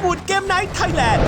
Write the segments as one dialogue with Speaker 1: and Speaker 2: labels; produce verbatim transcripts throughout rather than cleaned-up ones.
Speaker 1: วูดเกมไนท์ไทยแลนด์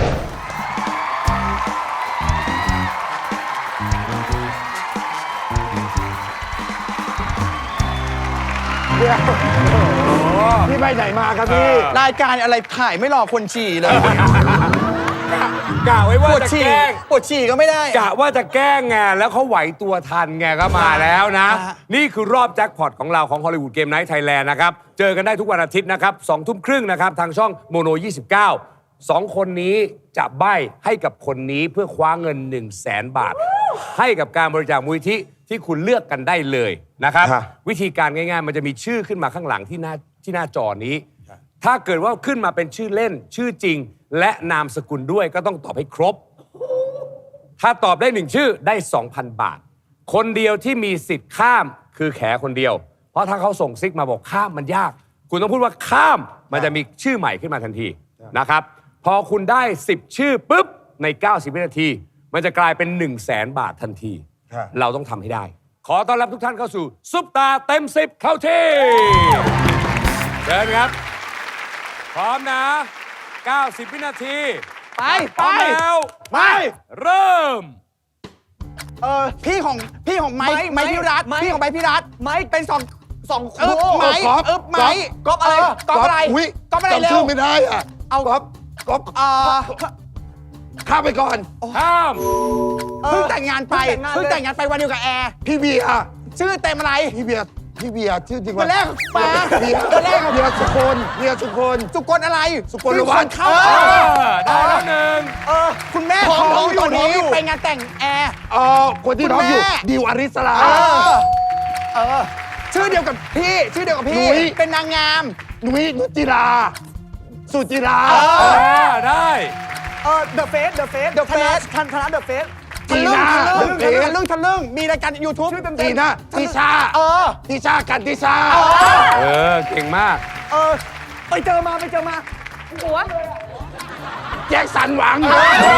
Speaker 2: พี่ไปไหนมาครับพี่รายการอะไรถ่ายไม่รอคนฉี่เลย
Speaker 3: กะไว้ว่าจะแกล้ง
Speaker 2: ปวดฉี่ก็ไม่ได้
Speaker 3: กะว่าจะแกล้งไงแล้วเขาไหวตัวทันไงก็มาแล้วนะ นี่คือรอบแจ็คพอตของเราของฮอลลีวูดเกมไนท์ไทยแลนด์นะครับ เจอกันได้ทุกวันอาทิตย์นะครับสองทุ่มครึ่งนะครับ ทางช่องโมโนยี่สิบเก้า สองคนนี้จะใบ้ให้กับคนนี้เพื่อคว้าเงิน หนึ่งแสน บาท ให้กับการบริจาคมูลนิธิที่คุณเลือกกันได้เลยนะครับ วิธีการง่ายๆ มันจะมีชื่อขึ้นมาข้างหลังที่หน้าที่หน้าจอนี้ ถ้าเกิดว่าขึ้นมาเป็นชื่อเล่นชื่อจริงและนามสกุลด้วยก็ต้องตอบให้ครบ ถ้าตอบได้หนึ่งชื่อได้ สองพัน บาท คนเดียวที่มีสิทธิ์ข้ามคือแขคนเดียว เพราะถ้าเขาส่งซิกมาบอกข้ามมันยาก คุณต้องพูดว่าข้ามมันจะมีชื่อใหม่ขึ้นมาทันทีนะครับพอคุณได้สิบชื่อปุ๊บในเก้าสิบวินาทีมันจะกลายเป็น หนึ่งแสน บาททันทีเราต้องทำให้ได้ขอต้อนรับทุกท่านเข้าสู่ซุปตาเต็มสิบเข้าที่เชิญครับพร้อมนะเก้าสิบวินาที
Speaker 2: ไป
Speaker 3: พร้อมแล้ว
Speaker 2: ไป
Speaker 3: เริ่ม
Speaker 2: เออพี่ของพี่ของไม้ไม้พิรัตพี่ของไม้พิรัตไม้เป็นสองสองเออไม้เออไม้ก๊อปอะไรก๊อปอะไรก๊อปอะไรเร็ว
Speaker 4: ไม่ได้อ่ะ
Speaker 2: เอาก๊อปก๊อปอ่า
Speaker 4: ข้ามไปก่อน
Speaker 3: ข้าม
Speaker 2: เพิ่งแต่งงานไปเพิ่งแต่งงานไปวันเดียวกับแอร์
Speaker 4: พี่เบียร์
Speaker 2: ชื่อเต็มอะไร
Speaker 4: พี่เบียร์พี่เบียร์ชื่อจริงว่า
Speaker 2: คนแรกปา
Speaker 4: เบียร์คนแรกเบียร์สุคนเบียร์สุคน
Speaker 2: สุกลอะไร
Speaker 4: สุกลวัฒน์
Speaker 2: เข้า
Speaker 3: ได้แล้วหนึ่ง
Speaker 2: เออคุณแม่ท้องอยู่ตอนนี้ไปงานแต่งแอร์
Speaker 4: เออคนที่ท้องอยู่ดิวอริสลา
Speaker 2: เออชื่อเดียวกับพี่ชื่อเดียวกับพี่เป็นนางงาม
Speaker 4: นุ้ยนุจิราสุจิรา
Speaker 3: ได้
Speaker 2: เออ The Face The Face The Face ทันธนะ The Face ทีน่าทะลึ่งทะลึ่งทะลึ่งมีรายการ YouTube
Speaker 4: ทีน่าทิชา
Speaker 2: เออ
Speaker 4: ทิชากันทิชา
Speaker 3: เออเก่งมาก
Speaker 2: เออไปเจอมาไปเจอมาหัว
Speaker 4: แจ็คสันหวัง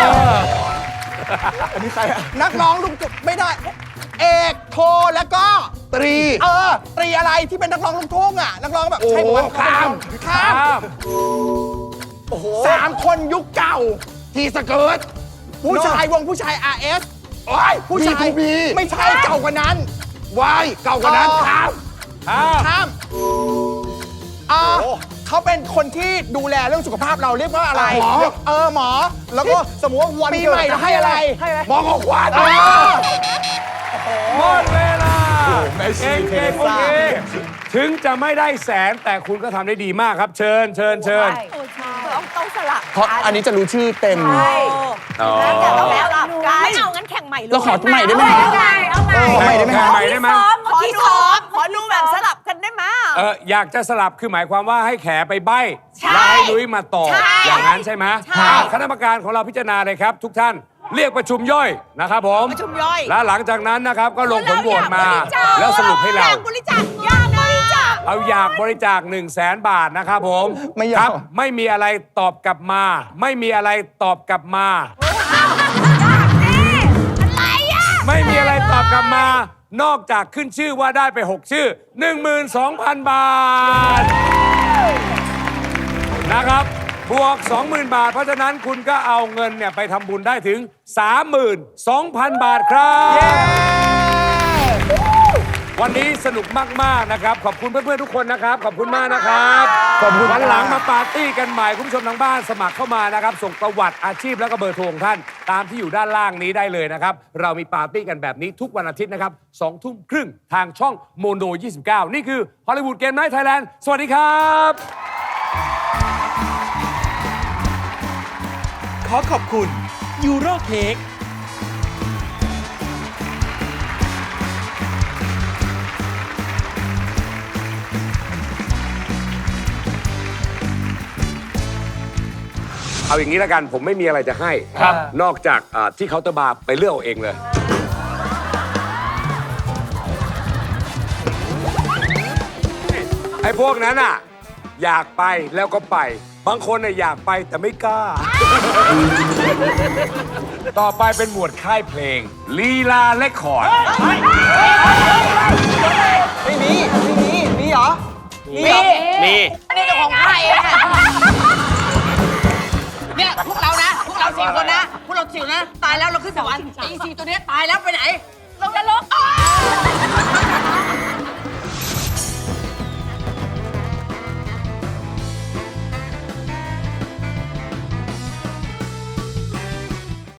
Speaker 2: อันนี้ใครอะนักร้องลุงจุกไม่ได้เอกโทแล้วก็
Speaker 4: ตรี
Speaker 2: เออตรีอะไรที่เป็นนักร้องลูกทุ่งอ่ะนักร้องแบบใช่ไหม
Speaker 4: ข้าม
Speaker 2: ข้ามโอ้โหสามคนยุคเก่า
Speaker 4: ทีสเกิร์ต
Speaker 2: ผู้ชายวงผู้ชาย อาร์ เอส
Speaker 4: โอ้ย
Speaker 2: ผู้ชายไม่ใช่เก่ากว่านั้น
Speaker 4: วายเก่ากว่านั้นข้าม
Speaker 2: ข้ามอ่าเขาเป็นคนที่ดูแลเรื่องสุขภาพเราเรียกว่าอะไร
Speaker 4: หมอ
Speaker 2: เออหมอแล้วก็สมมติว่าวันปีใหม่จะให้อะไร
Speaker 4: หมอของขวัญ
Speaker 3: หมดเวลาเก่งเก่งโอเคถึงจะไม่ได้แสนแต่คุณก็ทำได้ดีมากครับเชิญเชิญเชิญ
Speaker 5: ต้องต้องสลับ
Speaker 2: เพราะอันนี้จะรู้ชื่อเต็ม
Speaker 5: ใช่แล้วแต่ต้องแล้วกันไม่เอางั้นแข่งใหม่
Speaker 2: เราขอใหม่ได้ไหม
Speaker 5: เอาใหม่เอาใหม่
Speaker 3: ขอใหม่ได้ไหมขอได้ไหม
Speaker 5: ขอซ้อมขอดูแบบสลับกันได้ไหม
Speaker 3: เอออยากจะสลับคือหมายความว่าให้แขไปใบ้แล้วให้นุ้ยมาต่ออย่างนั้นใช่ไหมคณะกรรมการของเราพิจารณาเลยครับทุกท่านเรียกประชุมย่อยนะครับผม
Speaker 5: ประชุมย่อย
Speaker 3: และหลังจากนั้นนะครับก็ลงผลโหวตมาแล้วสรุปให้เรา
Speaker 5: อยากบริจาคอยากบริจาค
Speaker 3: เอาอยากบริจาคหนึ่งแสนบาทนะครับผม
Speaker 2: ไม่ย
Speaker 3: ากไม่มีอะไรตอบกลับมาไม่มีอะไรตอบกลับมา
Speaker 5: อะไรอ่ะ
Speaker 3: ไม่มีอะไรตอบกลับมานอกจากขึ้นชื่อว่าได้ไปหกชื่อ หนึ่งหมื่นสองพัน บาทนะครับบวก สองหมื่น บาทเพราะฉะนั้นคุณก็เอาเงินเนี่ยไปทำบุญได้ถึง สามหมื่นสองพัน บาทครับวันนี้สนุกมากๆนะครับขอบคุณเพื่อนๆทุกคนนะครับขอบคุณมากนะครับขอบคุณวันหลังมาปาร์ตี้กันใหม่คุณผู้ชมทางบ้านสมัครเข้ามานะครับส่งประวัติอาชีพแล้วก็เบอร์โทรของท่านตามที่อยู่ด้านล่างนี้ได้เลยนะครับเรามีปาร์ตี้กันแบบนี้ทุกวันอาทิตย์นะครับสองทุ่มครึ่งทางช่องโมโนยี่สิบเก้านี่คือฮอลลีวูดเกมไนท์ไทยแลนด์สวัสดีครับ
Speaker 1: ขอขอบคุณยูโรเค้ก
Speaker 3: เอาอย่างนี้แล้วกันผมไม่มีอะไรจะให้นอกจากที่เคาน์เตอร์บาร์ไปเลือกเอาเองเลยไอ้พวกนั้นอ่ะอยากไปแล้วก็ไปบางคนน่ะอยากไปแต่ไม่กล้า ต่อไปเป็นหมวดค่ายเพลงลีลาเรคคอร์ด
Speaker 2: ไม่มีไม่มีมีเหรอ
Speaker 5: มีมีนี่เจ้าของค่ายเอง
Speaker 6: คนนะพวกเราจิ๋วนะ ตายแล้วเราขึ้นสวรรค์ไอ้อีซีตัวเนี้ยตายแล้วไปไหน
Speaker 5: ลงนรก